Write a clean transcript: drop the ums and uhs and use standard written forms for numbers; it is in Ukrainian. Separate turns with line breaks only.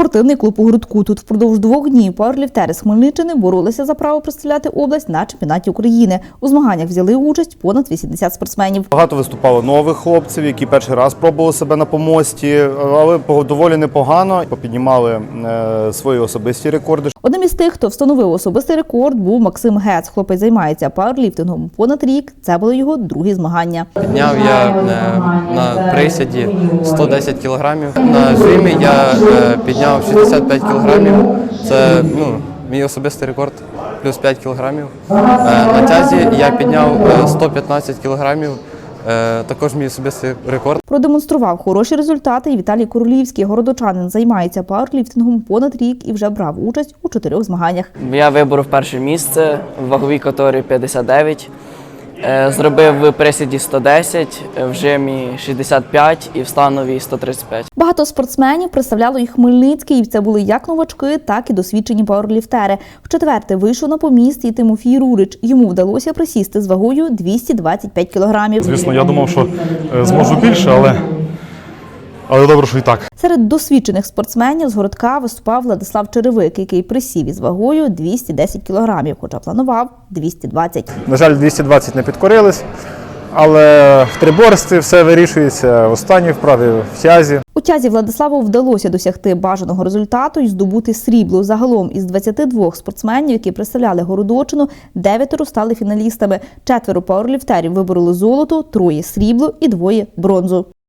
Спортивний клуб у Грудку. Тут впродовж 2 днів пауерліфтери з Хмельниччини боролися за право представляти область на чемпіонаті України. У змаганнях взяли участь понад 80 спортсменів.
Багато виступало нових хлопців, які перший раз пробували себе на помості, але доволі непогано. Попіднімали свої особисті рекорди.
Одним із тих, хто встановив особистий рекорд, був Максим Гец. Хлопець займається пауерліфтингом понад рік. Це були його другі змагання.
Підняв я на присіді 110 кілограмів. На жимі я підняв 65 кілограмів. Це мій особистий рекорд, плюс 5 кілограмів. На тязі я підняв 115 кілограмів. Також мій особистий рекорд.
Продемонстрував хороші результати і Віталій Королівський. Городочанин займається пауерліфтингом понад рік і вже брав участь у 4 змаганнях.
Я виборов перше місце в ваговій категорії 59. Зробив в присіді 110, в жимі 65 і в становій 135.
Багато спортсменів представляло і Хмельницький, і це були як новачки, так і досвідчені пауерліфтери. В-четверте вийшов на поміст і Тимофій Рурич. Йому вдалося присісти з вагою 225 кілограмів.
Звісно, я думав, що зможу більше, але добре, що і так.
Серед досвідчених спортсменів з Городка виступав Владислав Черевик, який присів із вагою 210 кілограмів, хоча планував 220.
На жаль, 220 не підкорились, але в триборстві все вирішується в останній вправі, в тязі.
У тязі Владиславу вдалося досягти бажаного результату і здобути срібло. Загалом із 22 спортсменів, які представляли Городоччину, 9 стали фіналістами. 4 пауерліфтерів вибороли золото, 3 – срібло і 2 – бронзу.